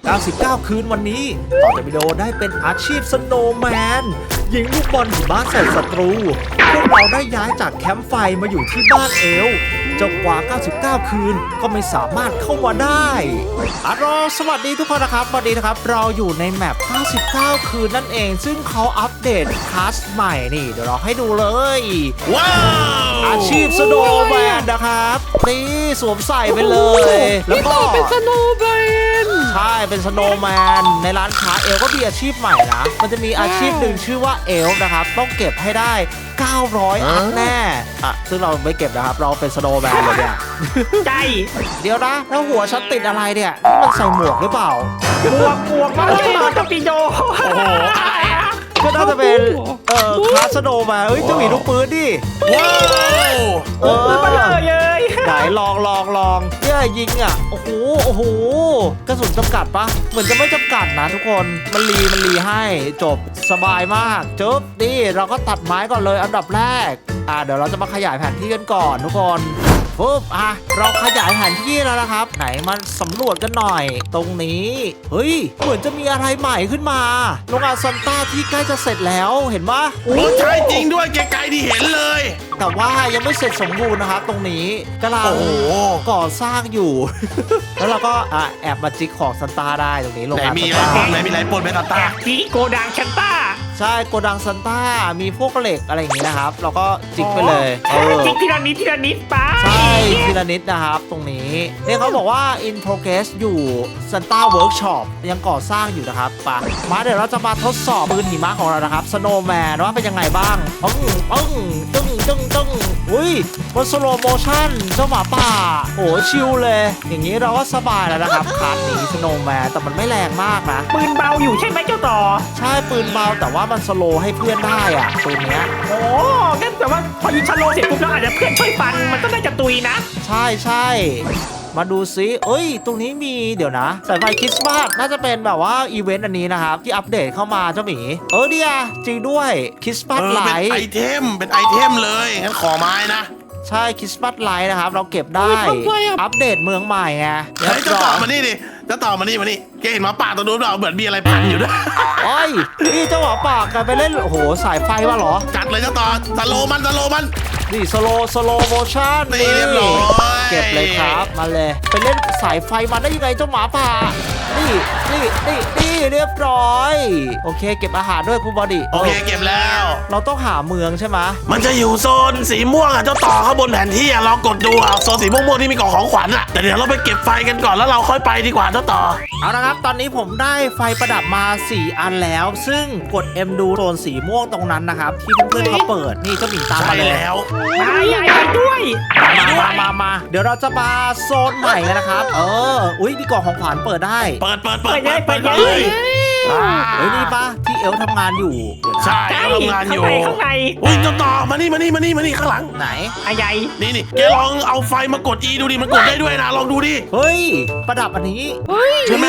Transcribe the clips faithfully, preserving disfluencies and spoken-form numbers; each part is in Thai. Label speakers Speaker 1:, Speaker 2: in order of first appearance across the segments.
Speaker 1: เก้าสิบเก้า คืนวันนี้ต่อจากวิดีโอได้เป็นอาชีพสโนว์แมนยิงลูกบอลหิมะใส่ศัตรูพวกเราได้ย้ายจากแคมป์ไฟมาอยู่ที่บ้านเอลจนกว่า เก้าสิบเก้า คืนก็ไม่สามารถเข้ามาได้อะรอสวัสดีทุกคนนะครับสวัสดีนะครับเราอยู่ในแมป เก้าสิบเก้า คืนนั่นเองซึ่งเขาอัปเดตคลาสใหม่นี่เดี๋ยวเราให้ดูเลย
Speaker 2: ว้าว
Speaker 1: อาชีพสโนว์แมนนะครับนี่สวมใส่ไปเลย แล้วก็
Speaker 3: เป็นสโนว์แมน
Speaker 1: ใช่เป็นสโนว์แมนในร้านค้าเอลก็มีอาชีพใหม่นะมันจะมีอาชีพหนึ่งชื่อว่าเอลนะครับต้องเก็บให้ได้เก้าร้อยอัพแน่อ่ะซึ่งเราไม่เก็บนะครับเราเป็นสโนว์แมนเลยเนี่ย
Speaker 3: ใช่
Speaker 1: เดี๋ยวนะแล้วหัวฉันติดอะไรเนี่ยนี่มันใส่หมวกหรือเปล่า
Speaker 3: หมวกหมวกมาเลยมากับปีโด
Speaker 1: โอ้โหก็น่าจะเป็นเอ่อคลาสสโนว์แมนเฮ้ยเจ้าหมีลูกปืนดิ
Speaker 2: ว้าว
Speaker 1: เออ
Speaker 3: มาเลยเลย
Speaker 1: ไหนลองลองลองเนี่ยยิงอ่ะโอ้โหโอ้โหกระสุนจำกัดปะเหมือนจะไม่จำกัดนะทุกคนมันรีมันรีให้จบสบายมากจบดิเราก็ตัดไม้ก่อนเลยอันดับแรกอ่าเดี๋ยวเราจะมาขยายแผนที่กันก่อนทุกคนปุ๊บอ่ะเราขยายแผนที่แล้วนะครับไหนมาสำรวจกันหน่อยตรงนี้เฮ้ยเหมือนจะมีอะไรใหม่ขึ้นมาโรงงานซันต้าที่ใกล้จะเสร็จแล้วเห็นปะ
Speaker 2: โอ้ใช่จริงด้วยไกลๆที่เห็นเลย
Speaker 1: แต่ว่ายังไม่เสร็จสมบูรณ์นะครับตรงนี้กำลังก่อสร้างอยู่ แล้วเราก็อ่ะแอบมาจิกของซันต้าได้ตรงนี้โรงงานซันต้า
Speaker 2: ไหนมีอะไรปนไหมซันต้า
Speaker 3: ที่โกดังซันต้า
Speaker 1: ใช่โกดังซันต้ามีพวกเหล็กอะไรอย่างนี้นะครับเราก็จิกไปเลย
Speaker 3: จิกทีละนิดทีละนิดไป
Speaker 1: ใช่ทีละนิดนะครับตรงนี้นี่เขาบอกว่า in progress อยู่ Santa Workshop ยังก่อสร้างอยู่นะครับปะมาเดี๋ยวเราจะมาทดสอบปืนหิมะของเรานะครับ Snowman ว่าเป็นยังไงบ้างปึ้งปึ้งตึ้งตึ้งตึ้งอุ้ยมันสโลโมชั่นเจ้าหมาป่าโอ้ชิลเลยอย่างนี้เราก็สบายแล้วนะครับคาร์ดนี้ Snowman แต่มันไม่แรงมากนะ
Speaker 3: ปืนเบาอยู่ใช่ไหมเจ้าต่อ
Speaker 1: ใช่ปืนเบาแต่ว่ามันสโลให้เพื่อนได้อะปืนเนี้ย
Speaker 3: โอ้งั้นแต่ว่าพอยิงชะโลเสร็จปุ๊บแล้วอาจจะเพื่อนช่วยฟันมันก็น่าจะตุยนะ
Speaker 1: ใช่ใช่มาดูซิเอ้ยตรงนี้มีเดี๋ยวนะสายไฟคริสต์มาสน่าจะเป็นแบบว่าอีเวนต์อันนี้นะครับที่อัปเดตเข้ามาเจ้าหมีเออเดียจริงด้วยคริสต์มาสไลท์
Speaker 2: เป็นไอเทมเป็นไอเทมเลยงั้นขอไม้นะ
Speaker 1: ใช่คริสต์มาสไลท์นะครับเราเก็บได้อัปเดตเมืองใหม่ไง
Speaker 2: เฮ้ยจะต่อมานี่ดิจะต่อมานี่มานี่แกเห็นหมาป่าตัวนู้นเปล่าเหมือนมีอะไรพันอยู่ด้วย
Speaker 1: โอ้ยนี่เจ้าหมาป่ากันไปเล่นโอ้โหสายไฟวะเหรอ
Speaker 2: จัดเลยจะต่อสโลมันสโลมัน
Speaker 1: นี่สโลสโลโมชั่น
Speaker 2: นี่เรียบร้อย
Speaker 1: เก็บเลยครับมาเลยไปเล่นสายไฟมาได้ยังไงเจ้าหมาป่านี่นี่นี่นี่เรียบร้อยโอเคเก็บอาหารด้วยคุณบอดี้
Speaker 2: โอเคเก็บแล้ว
Speaker 1: เราต้องหาเมืองใช่ไหม
Speaker 2: มันจะอยู่โซนสีม่วงอ่ะเจ้าต่อข้างบนแผนที่อ่ะลองกดดูอ่ะโซนสีม่วงๆที่มีกล่องของขวัญอ่ะแต่เดี๋ยวเราไปเก็บไฟกันก่อนแล้วเราค่อยไปดีกว่าเจ้าต่อ
Speaker 1: เอาละครับตอนนี้ผมได้ไฟประดับมาสี่อันแล้วซึ่งกด M ดูโซนสีม่วงตรงนั้นนะครับที่เพื่อนๆเขาเปิดนี่เจ้าหมีตามมาเลย
Speaker 2: แล้ว
Speaker 3: มาใหญ่ด้วย
Speaker 1: มามามาเดี๋ยวเราจะมาโซนใหม่กันนะครับเอออุ้ยมีกล่องของขวัญเปิดได้
Speaker 2: เปิดเปิดเปิด
Speaker 3: เปิดเปิดเลย
Speaker 1: เฮ้ยนี่ปะที่เอลทำงานอยู่
Speaker 2: ใช่ทำงานอยู่
Speaker 3: ข้างใน
Speaker 2: อุ้ยเจ้าต่อมานี่มานี่มานี่มานี่ข้างหลัง
Speaker 1: ไหน
Speaker 3: อะใหญ่
Speaker 2: นี่นี่แกลองเอาไฟมากด E ดูดิมันกดได้ด้วยนะลองดูดิ
Speaker 1: เฮ้ยประดับอันนี้
Speaker 2: ใช่ไหม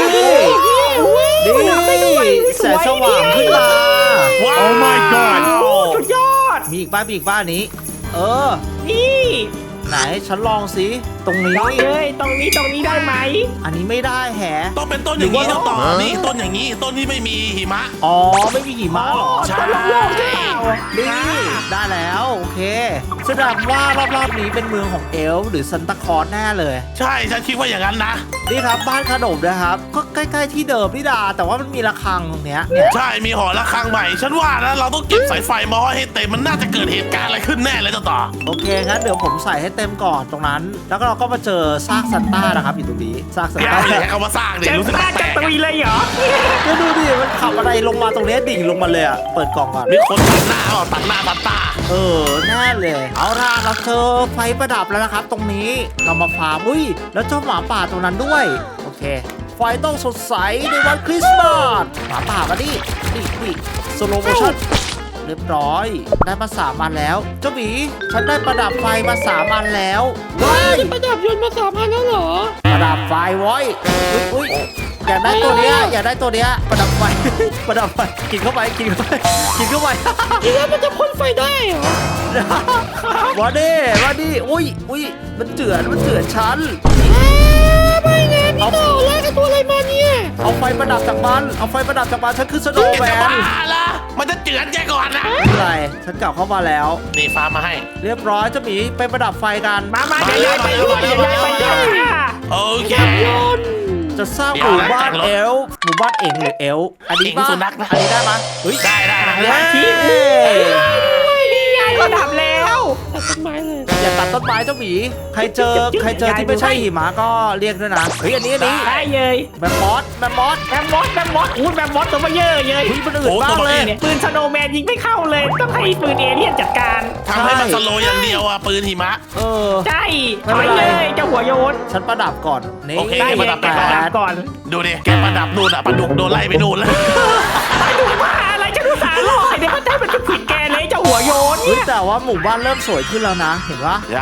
Speaker 1: นี่แสงสว่างขึ้นมา
Speaker 2: ว้าว Oh my god
Speaker 3: สุดยอด
Speaker 1: มีอีกบ้านมีอีกบ้านนี้เออ
Speaker 3: นี่
Speaker 1: ไหนฉันลองสิตรงนี้
Speaker 3: เลยตรงนี้ตรงนี้ได้ไหม
Speaker 1: อันนี้ไม่ได้แฮะ
Speaker 2: ต้องเป็นต้นอย่างนี้เจ้าต่อนี่ต้นอย่างนี้ต้นที่ไม่มีหิมะ
Speaker 1: อ๋อไม่มีหิมะหรอ
Speaker 2: ใช่
Speaker 1: นี่ได้แล้วโอเคแสดงว่ารอบๆนี้เป็นเมืองของเอลฟ์หรือซันตาคลอสแน่เลย
Speaker 2: ใช่ฉันคิดว่าอย่างนั้นนะ
Speaker 1: นี่ครับบ้านขนมนะครับก็ใกล้ๆที่เดิมนี่ดาแต่ว่ามันมีระฆังตรงเนี้ย
Speaker 2: ใช่มีหอระฆังใหม่ฉันว่านะเราต้องเก็บสายไฟมาให้เต็มมันน่าจะเกิดเหตุการณ์อะไรขึ้นแน่เลยเจ้าต่อ
Speaker 1: โอเคงั้นเดี๋ยวผมใส่ให้เต็มก่อนตรงนั้นแล้วก็เราก็มาเจอซากซันต้านะครับอยู่ตรงนี้ซากซันต้า
Speaker 2: เอามาสร้างดิรู้สึกแปลก
Speaker 3: ๆตุยเลยเหรอ
Speaker 1: ก็ดูดิมันขับอะไรลงมาตรงนี้ดิ่งลงมาเลยอ่ะเปิดกล่องก่อน
Speaker 2: มีคนตัดหน้าอ่ะตัดหน้าซันต้า
Speaker 1: เออแน่เลยเอาล่ะเราเจอไฟประดับแล้วนะครับตรงนี้เรามาฟาร์มอุ้ยแล้วเจ้าหมาป่าตรงนั้นด้วยโอเคไฟต้องสดใสในวันคริสต์มาสหมาป่ามาดินี่นี่สโลโมชั่นเรียบร้อยได้มาสามอันแล้วเจ้าหมีฉันได้ประดับไฟมาสามอันแล้ว
Speaker 3: ว้าวประดับยนต์มาสามอันแล้วเหรอ
Speaker 1: ประดับไฟไว้อุ้ยอุ้ยอยากได้ตัวเนี้ยอยากได้ตัวเนี้ยประดับไฟประดับไฟกินเข้าไปกินเข้าไปกินเข้าไป
Speaker 3: กินแล้วมันจะพ่นไฟได้เหรอ
Speaker 1: วาดิวาดิอุ้ยอุ้ยมันเจือนมันเจือนฉัน
Speaker 3: ไม่งั้น
Speaker 1: เอาแล้วกับตัวอะไรมาเนี่ยเอาไฟประดับจากมันเอาไฟประดับจากมันฉันคือสโนว์
Speaker 2: แก
Speaker 1: แม
Speaker 2: จะ
Speaker 1: น
Speaker 2: บ้าละมันจะเจือนแกก่อนนะ
Speaker 1: อะไรฉันกลับเข้ามาแล้ว
Speaker 2: นี่ฟ้ามาให้
Speaker 1: เรียบร้อยเจ้าหมีไปประดับไฟกัน
Speaker 3: มามาเดี๋ยวยายไปด้วยเดี๋ยวยายไปด้วยค่ะ
Speaker 2: โอเค
Speaker 1: จะสร้างหมู่บ้านเอลฟ์หมู่บ้านเองหรือเอลฟ์อันนี้
Speaker 2: เอ็ง
Speaker 1: ป่ะ
Speaker 2: สุนัขนะ
Speaker 1: อันนี้ได้ปะเฮ้ย
Speaker 2: ได้ได้ได้
Speaker 1: เย้
Speaker 2: ได้
Speaker 3: นี่ไงระดับแล้ว
Speaker 1: อย่าตัดต้นไม้เจ้าหมีใครเจอใครเจอที่ไม่ใช่หิมะก็เรียกด้วยนะเฮ้ยอันนี้อันนี้
Speaker 3: ได้เลย
Speaker 1: แมมมอสแมมมอส
Speaker 3: แบมมอสแบมมอสอู้แบมมอสตัวมาเยอะเลย
Speaker 1: เฮ้ยมันอื่นมากเลย
Speaker 3: ปืนสโนว์แมนยิงไม่เข้าเลยต้องให้ปืนเอเลี่ยนจัดการ
Speaker 2: ทำให้มันสโลว์อย่างเดียวอ่ะปืนหิมะ
Speaker 1: เออ
Speaker 3: ใช่
Speaker 1: ไม่
Speaker 3: ถ
Speaker 1: เป็
Speaker 3: อน ย
Speaker 1: ไร
Speaker 3: เลยเจ้าหัวโยน
Speaker 1: ฉันประดับก่อนนี่
Speaker 2: โอเค
Speaker 3: ได้
Speaker 2: ป
Speaker 3: เล
Speaker 2: ระ
Speaker 3: ย
Speaker 2: ดับ
Speaker 3: แกประดับก่อน
Speaker 2: ดูดิแกประดับนู่นอ่ะปลาดุกโดนไล่ไปนู่นแล้ว
Speaker 3: ไปดูว่าอะไรจะดูสารลอยเดี๋ยวมันได้มันจะผิดแกเลยเจ้าหัวโยน
Speaker 1: เฮ้ย
Speaker 3: เนี่ย
Speaker 1: แต่ว่าหมู่บ้านเริ่มสวยขึ้นแล้วนะเห็นปะ
Speaker 2: ได้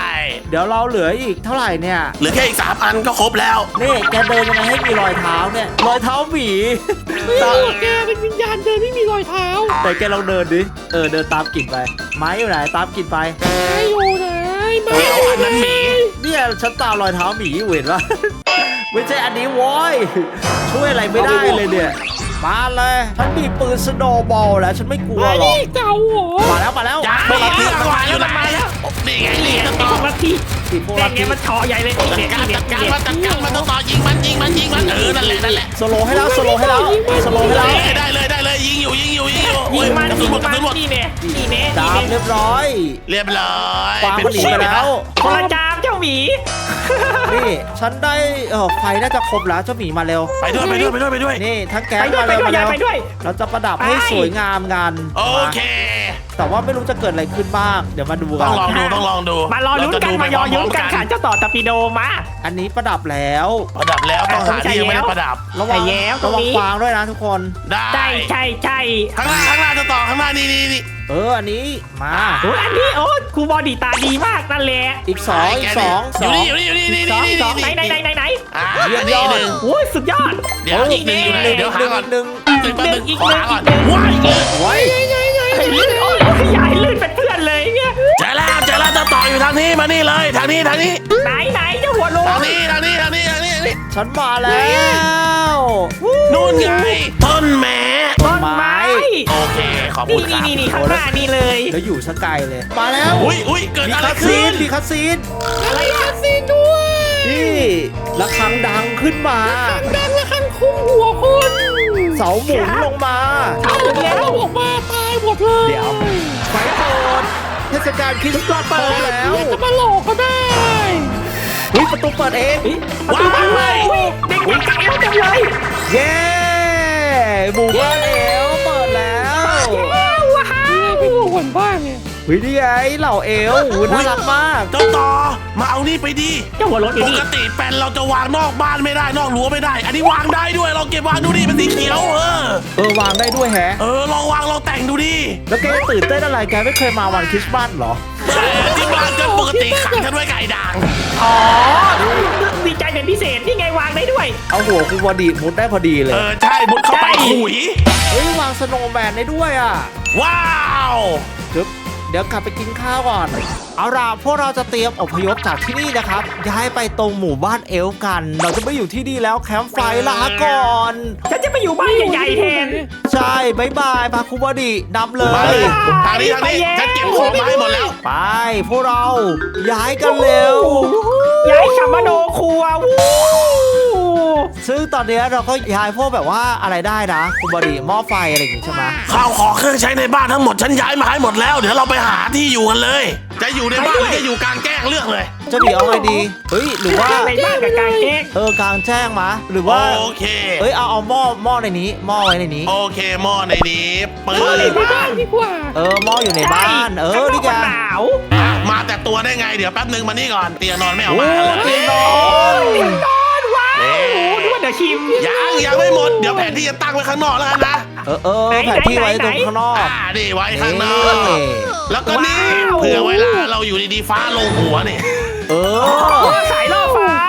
Speaker 1: เดี๋ยวเราเหลืออีกเท่าไหร่เนี่ย
Speaker 2: เหลือแค่อีกสามอันก็ครบแล้ว
Speaker 1: นี่แกเดินยังไงให้มีรอยเท้าเนี่ยรอยเท้าหมีตาแกเป็นวิญญาณเดินไม่มีรอยเท้าแต่แกลองเดินดิเออเดินตามกลิ่นไปไม้อยู่ไหนตามกลิ่นไป
Speaker 2: เฮ้ยเอาอันนั้นหมี
Speaker 1: เนี่ยฉันตามรอยเท้าหมีอยู่เห็นปะ ไม่ใช่อันนี้โว้ยช่วยอะไรไม่ได้เลยเนี่ยมาเลยฉันมีปืนสโนว์บอลแล้วฉันไม่กลัวหรอกมาแล้วมาแล้ว
Speaker 2: จ้า
Speaker 1: พวกเรา
Speaker 2: เลื
Speaker 1: ที่
Speaker 2: อกมาอยู่ไหนนี่ไงนี่จะ
Speaker 3: ไอ้
Speaker 2: ต่อ
Speaker 3: พวกลัทธิ
Speaker 1: ที่พวก
Speaker 3: แต่
Speaker 1: เรา
Speaker 3: ไง
Speaker 1: ที่
Speaker 3: มันชอใหญ่เลย
Speaker 2: จัดการจัดการมันจัดการมันต้องต่อยิงมันยิงมันยิงมันเออนั่นแหละนั่นแหละ
Speaker 1: สโลว์ให้แล้วสโลว์ให้แล้วสโลว์ให้แล้ว
Speaker 2: ได้เลยได้เลยยิงอยู่ยิงอยู่ยิงอยู่
Speaker 3: ยิงมัน
Speaker 2: กระสุ
Speaker 3: ยิ
Speaker 2: น
Speaker 3: ง
Speaker 2: หมดกระ
Speaker 3: มัน
Speaker 2: สุนหมด
Speaker 3: นี่เน่นี่เน่
Speaker 1: ดาบเรียบร้อย
Speaker 2: เรียบร้อย
Speaker 1: ฟางมันหนีไปแล้ว
Speaker 3: คนละจามเจ้าหมี
Speaker 1: นี่ฉันได้เออไฟน่าจะครบแล้วเจ้าหมีมาเร็ว
Speaker 2: ไปด้วยไปด้วยไปด้วยไปด้วย
Speaker 1: นี่ทั้งแก๊
Speaker 3: ไป
Speaker 1: ง
Speaker 3: ด้วย
Speaker 1: มา
Speaker 3: ไป
Speaker 1: เร็ว
Speaker 3: ด้วยาย
Speaker 1: มายเร็ว
Speaker 3: ไปด้วย
Speaker 1: เราจะประดับให้
Speaker 3: ไป
Speaker 1: สวยงามกัน
Speaker 2: โอเค
Speaker 1: แต่ว่าไม่รู้จะเกิดอะไรขึ้นบ้าง เดี๋ยวมาดูกั
Speaker 2: ต้อน งลองดูต้องลองดู
Speaker 3: มารอลุ้นกันมารอลุ้นกันค่ะเจ้าต่อตะปิโดมา
Speaker 1: อันนี้ประดับแล้ว
Speaker 2: ประดับแล้วต้องหาที่ยังไม่ได้ประดับ
Speaker 1: ระวัง
Speaker 3: ใช่แล้วตร
Speaker 1: ระ
Speaker 3: ง
Speaker 1: วัง
Speaker 3: นี้
Speaker 1: ฟางด้วยนะทุกคน
Speaker 2: ได้
Speaker 3: ใช่ใช่ใช่
Speaker 2: ข้างหน้าข้างหน้าจะต่อข้างหน้านี่นี่นี่
Speaker 1: เอออันนี้มา
Speaker 3: โอ้ยอันนี้โอ้ครูบอดีตาดีมากนั่นแหละ
Speaker 1: อีกสองอีกสองส
Speaker 2: อ
Speaker 1: อยู่ ง
Speaker 2: นี่อยู่นี่อยู่นี่นี่
Speaker 3: สอง
Speaker 2: นี่
Speaker 3: สองไหน
Speaker 2: นี่
Speaker 3: ไหนไหนไหนไหน
Speaker 2: อ่า
Speaker 1: เยี่ยมย
Speaker 2: นี่
Speaker 1: อด
Speaker 2: หนึ่ง
Speaker 3: โอ้ยสุดยอด
Speaker 2: เดี๋ยวอีกหนึ่งอยู่ไหนเดี๋ยวหาก่อน
Speaker 1: หนึ่ง
Speaker 2: ตึงแป๊บนึง
Speaker 3: อีก
Speaker 2: ขอ
Speaker 3: หนึ่ง
Speaker 2: หาก่อน
Speaker 3: อีกหนึ่ง
Speaker 2: ว้ายอีกเลย
Speaker 1: ไว้
Speaker 3: ไอ้ลื่นโอ้ยใหญ่ลื่นเป็นเพื่อนเลยเนี่ย
Speaker 2: เจอแล้วเจอแล้วจะต่ออยู่ทางนี้มานี่เลยทางนี้ทางนี้
Speaker 3: ไหนไหนเจ้าหัวโล
Speaker 2: ทางนี้ทางนี้ทางนี้ทางนี้ทางนี้
Speaker 1: ฉันมาแล้ว
Speaker 2: นู่นไงต้นแม้
Speaker 3: ต้นไม้
Speaker 2: โอเคขอบคุ
Speaker 3: นี่
Speaker 2: ณครับ
Speaker 3: นี่นี่นี่ข้างหน้านี่เลย
Speaker 1: แล้วอยู่สกายเลย มาแล้ว
Speaker 2: อุ้ยอุ้ยเกิด
Speaker 1: มี
Speaker 2: อะไร
Speaker 1: คัสซี
Speaker 2: ขึ้
Speaker 1: น
Speaker 2: น
Speaker 1: มีคัสซีน
Speaker 3: อะไรอะ
Speaker 1: นี่ระฆังดังขึ้นมาดังระฆังคุ้มหัวคนเสาหมุนลงมา
Speaker 3: เอาแล้ว
Speaker 1: ออกมาตายหมดเลยเดี๋ยวไฟโปรดเทศกาลคริสต์มาสเปิดแล้วจะมาหลอกก็ได้เฮ้ยประตูเปิดเอง
Speaker 3: ว้าวเด็กๆกับเอวจังเลย
Speaker 1: เย้หมู่บ้านเอลเปิดแล้ว
Speaker 3: ว้าวว้าว
Speaker 1: เฮ้ยนี่ไงเหล่าเอลหูน่ารักมาก
Speaker 2: เจ้าต่อมาเอานี่ไปดิ
Speaker 3: เจ้าหัวรถอยู่
Speaker 2: ป
Speaker 3: นี่
Speaker 2: กติแปนเราจะวางนอกบ้านไม่ได้นอกรั้วไม่ได้ อันนี้วางได้ด้วยลองเก็บวางดูดิเป็นสีเขียวเออ
Speaker 1: เออวางได้ด้วยแฮะ
Speaker 2: เออลองวางลองแต่งดูดิ
Speaker 1: แล้วแกจะตื่นเต้นอะไรแกไม่เคยมาวันคริสต์มาสเหรอ
Speaker 2: แต่ที่บ้านก็ปกติขังฉันไว้ไก่ด่าง
Speaker 3: อ๋อดีใจเป็นพิเศษนี่ไงวางได้ด้วย
Speaker 1: เอาหัวคุณบอดีมุดได้พอดีเล
Speaker 2: เอย อใช่มุดเข้าไป
Speaker 3: ใช่
Speaker 2: ขุย
Speaker 1: เฮ้ยวางสโนว์แมนได้ด้วยอ่ะ
Speaker 2: ว้าว
Speaker 1: จึ๊บเดี๋ยวกลับไปกินข้าวก่อน เอาล่ะพวกเราจะเตรียมอพยพจากที่นี่นะครับย้ายไปตรงหมู่บ้านเอลฟ์กัน เราจะไม่อยู่ที่นี่แล้วแคมป์ไฟลาก่อน
Speaker 3: ฉันจะไปอยู่บ้านใหญ่ๆแทน
Speaker 1: ใช่บายบายพาคุณบอดีนำเล
Speaker 2: มาเลย
Speaker 1: ย
Speaker 2: ทางนี้ทางนี้
Speaker 3: ไปแล้ว
Speaker 2: ฉันเก็บของมาให้หมดแล้ว
Speaker 1: ไปพวกเราย้ายกันเร็ว
Speaker 3: ย้ายคามาโนครัววู้
Speaker 1: ซึ่งตอนนี้เราก็ย้ายพวกแบบว่าอะไรได้นะคุณบอดีหม้อไฟอะไรอย่างงี้ใช่ไหม
Speaker 2: ข้าวของเครื่องใช้ในบ้านทั้งหมดฉันย้ายมาให้หมดแล้ว เดี๋ยวเราไปหาที่อยู่กันเลย จะอยู่ในบ้านหรือจะอยู่กลางแจ้งเลือกเลย
Speaker 1: เจะดีเอาไงดีเฮ้ยหรือว่า
Speaker 3: ในบ้านกับกางเกง
Speaker 1: เออกลางแจ้งมาหรือว่า
Speaker 2: โอเค
Speaker 1: เอ้ยเอาเอาหม้อหม้อในนี้หม้อไว้ในนี้
Speaker 2: โอเคหม้อในนี้ปื
Speaker 3: เอาใน
Speaker 2: น
Speaker 3: บ้านดีกว่า
Speaker 1: เออหม้ออยู่ในบ้าน เออนี่ไง
Speaker 3: ข้างนอกมันหนาว
Speaker 2: อ่ะมาแต่ตัวได้ไงเดี๋ยวแป๊บนึงมานี่ก่อนเตียงนอนไม่เอา
Speaker 1: โอ้
Speaker 2: มาเลย
Speaker 1: เตียงนอน
Speaker 3: ติดนอนว้าว
Speaker 2: เอ๊ะ
Speaker 3: นึกว่าเดี๋ยวชิม
Speaker 2: ยังยังไม่หมดเดี๋ยวแผนที่จะตั้งไว้ข้างนอกแล้วกันนะ
Speaker 1: เออเออ
Speaker 3: ไหน
Speaker 1: แผนที่ไว้
Speaker 3: ไหน
Speaker 1: ตรงข้างนอก
Speaker 2: อ่านี่ไว้ข้างนอก
Speaker 1: นี่
Speaker 2: แล้วก็นี่
Speaker 3: ว้าว
Speaker 2: เผื่อเวลาเราอยู่ดีๆฟ้าลงหัวเนี่ย
Speaker 1: เอ
Speaker 3: โอ้
Speaker 1: อ
Speaker 3: สายล่อฟ้า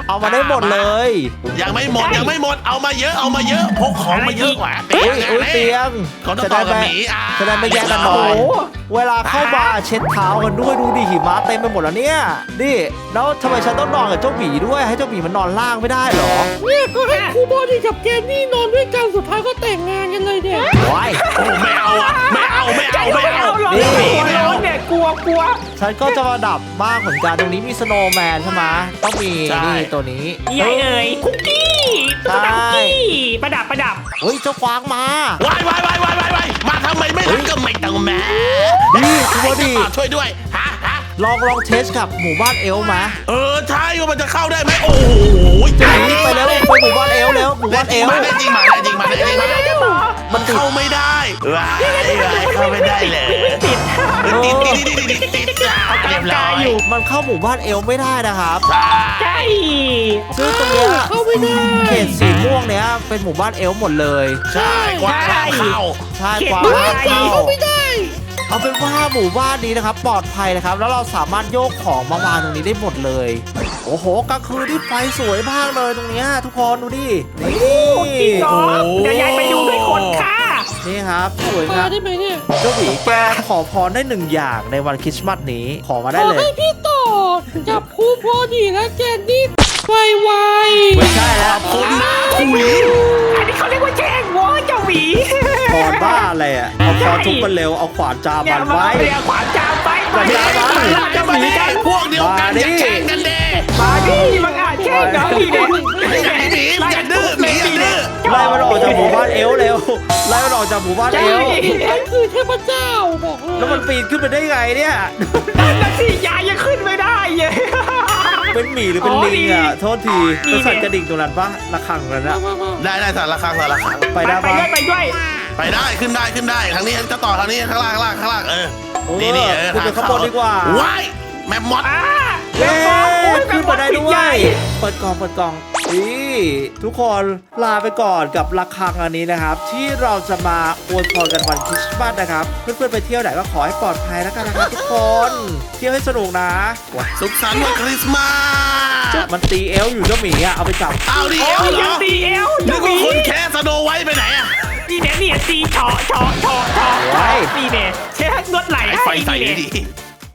Speaker 1: เอามาได้หมดเลย
Speaker 2: ยังไม่หมดยังไม่หมดเอามาเยอะเอามาเยอะพกของมาเยอะกว่า
Speaker 1: อุ้ยอุ้ยเตียง
Speaker 2: เขาต้องต่อกับหมีอ่ะ
Speaker 1: จะได้ไม่แย่งกันหน่อย เวลาเข้ามาเช็ดเท้ากันด้วยดูดิหิมะเต็มไปหมดแล้วเนี่ยนี่แล้วทำไมฉันต้องนอนกับเจ้าหมีด้วยให้เจ้าหมีมันนอนล่างไม่ได้เหรอ
Speaker 4: เนี่ยก็ให้ครูบอดี้กับแกนนี่นอนด้วยกันสุดท้ายก็แต่งงานกันเลยเนี่ย
Speaker 1: ว้าย
Speaker 2: โอ้ไม่เอาอ่ะไม่เอาไม่เอาไม่เอา
Speaker 3: หรอก
Speaker 1: นี่
Speaker 3: กลัวร้อนเนี่ยกลัวกลัว
Speaker 1: ฉันก็จะมาดับบ้างเหมือนกันตรงนี้มีสโนว์แมนใช่ไหมต้องมีนี่ตัวนี้
Speaker 3: ใหญ่เอ่ยคุกกี้ตุ๊กตาคุกกี้ประดับประดับ
Speaker 1: เฮ้ยเจ้ากวางมา
Speaker 2: วายวายวายวายวายวายมาทำไมไม่รักก็ไม่ต้องแม่
Speaker 1: นี่คุณบอดี้
Speaker 2: ช่วยด้วยฮะฮะ
Speaker 1: ลองลองเทสกับหมู่บ้านเอลฟ์มา
Speaker 2: เออใช่ว่ามันจะเข้าได้ไหมโอ้โห
Speaker 1: เจ้าหมีไปแล้วไปหมู่บ้านเอลฟ์แล้วหมู่บ้านเอลฟ์
Speaker 2: ได้จริงมาได้จริงมาได้จริงมาได้จริงมา
Speaker 1: มันติด
Speaker 2: เข้าไม่ได้ว้ายว้ายเข้าไม่ได้เลย
Speaker 3: ติด
Speaker 2: ติดติดติดติดติดติดจ้าเรียบร้อย
Speaker 3: อยู่
Speaker 1: มันเข้าหมู่บ้านเอลฟ์ไม่ได้นะครับ
Speaker 3: ใช่
Speaker 1: ซึ่งตรงเนี้ย
Speaker 4: เข้าไม่ได้
Speaker 1: เขตสีม่วงเนี้ยเป็นหมู่บ้านเอลฟ์หมดเลย
Speaker 2: ใช่กว้างเข้า
Speaker 1: ใช่กวาง
Speaker 4: บ้านกวางเข้าไม่ได้
Speaker 1: เอาเป็นว่าหมู่บ้านนี้นะครับปลอดภัยนะครับ แล้วเราสามารถโยกของมาวางตรงนี้ได้หมดเลย โอ้โหกลางคืนที่ไฟสวยมากเลยตรงเนี้ยทุกคนดูดินี่
Speaker 3: จริงเหรอเดี๋ยวยายไปดูด้วยคนค่ะ
Speaker 1: นี่ครับสวยค
Speaker 4: มา
Speaker 1: รับ
Speaker 4: ได้ไหมเนี่ย
Speaker 1: เจ้าหมีแกขอพรได้หนึ่งอย่างในวันคริสต์มาสนี้ขอมา
Speaker 4: ข
Speaker 1: ได้
Speaker 4: อ
Speaker 1: เลย
Speaker 4: ให้พี่ต่อกับครูบอดี้และแกนนี่ไวไว
Speaker 1: ไม่ใช่แล้ว
Speaker 2: คนหน้าคุย
Speaker 3: อันนี้เขาเรียกว่าแจ้งวอเจ้าหวี
Speaker 1: พรบ้าอะไรอ่ะเอาพรทุบมันเร็วเอาขวานจา
Speaker 3: เนี่
Speaker 1: มั
Speaker 3: ย
Speaker 1: น
Speaker 3: มา
Speaker 1: ไว้
Speaker 3: เรียกขวานจามไปมา
Speaker 1: อย่า
Speaker 3: ดิ
Speaker 1: มา
Speaker 3: มา
Speaker 2: จะ
Speaker 3: จะ
Speaker 2: มา
Speaker 3: มี
Speaker 2: แย่
Speaker 3: กัน
Speaker 2: งพวกเดียวกันอย่าแข่งกันเด้
Speaker 3: มาดิมังอาจแจ้งน้องดีเด่น
Speaker 2: อย่าหนีอย่าดื้อหนีอย่าดื้อ
Speaker 1: ไล่มันออกจากหมู่บ้านเอลฟ์เร็วไล่มันออกจากหมู่บ้านเอลฟ์
Speaker 4: ฉันคือเทพเจ้าบอกเลย
Speaker 1: แล้วมันปีนขึ้นไปได้ไงเนี่ย
Speaker 3: นั่นน่ะสิยายยังขึ้นไม่ได้เลย
Speaker 1: เป็นหมีหรือเป็นลิงอ่ะโทษทีเป็นสัตว์กระดิ่งตรงนั้นปะระฆังนั้น
Speaker 4: มา
Speaker 1: อะ
Speaker 4: มามา
Speaker 2: ได้ได้สารครั้งสารครั้ง
Speaker 1: ไปได้
Speaker 3: ไป
Speaker 1: ปะ
Speaker 3: ด้วยไปด้วย
Speaker 2: ไปได้ขึ้นได้ขึ้นได้ครั้งนี้จะต่อครั้งนี้ข้างล่างข้างล่างข้างล่างเออ
Speaker 1: โอ้
Speaker 2: นี่นี่เออ
Speaker 1: ขึ้นไปข้างบนดีกว่า
Speaker 2: ว้ายแม่มด
Speaker 3: อ่า
Speaker 1: เย้ขึ้นมาได้ด้ว
Speaker 3: ใหญ่
Speaker 1: ย เปิดกล่องเปิดกล่องนี่ทุกคนลาไปก่อนกับระฆังอันนี้นะครับ ที่เราจะมาอวยพรกันวันคริสต์มาสนะครับ เพื่อนๆไปเที่ยวไหนก็ขอให้ปลอดภัยแล้วกันนะครับทุกคน เที่ยวให้สนุกนะ
Speaker 2: สุขสันต์วันคริสต์มาส
Speaker 1: มันตีเอลอยู่เจ้าหมีอ่ะเอาไปจับ
Speaker 2: เอาดิ
Speaker 3: โอ้
Speaker 2: เอล
Speaker 3: ย
Speaker 2: เหร
Speaker 3: ยัง
Speaker 2: อ
Speaker 3: ตีเอว
Speaker 2: นึกว่าคนแค่สโนไว้ไปไหนอะ
Speaker 3: นี่เนี่ยนี่ตีเฉาะเฉาะเฉาะเฉาะนี่เนี่ยเช็ดนวดไหล่
Speaker 2: ไอ้
Speaker 3: ให้
Speaker 2: ไฟใส่
Speaker 3: นี่
Speaker 2: ดี
Speaker 3: เนี่ย
Speaker 2: ดี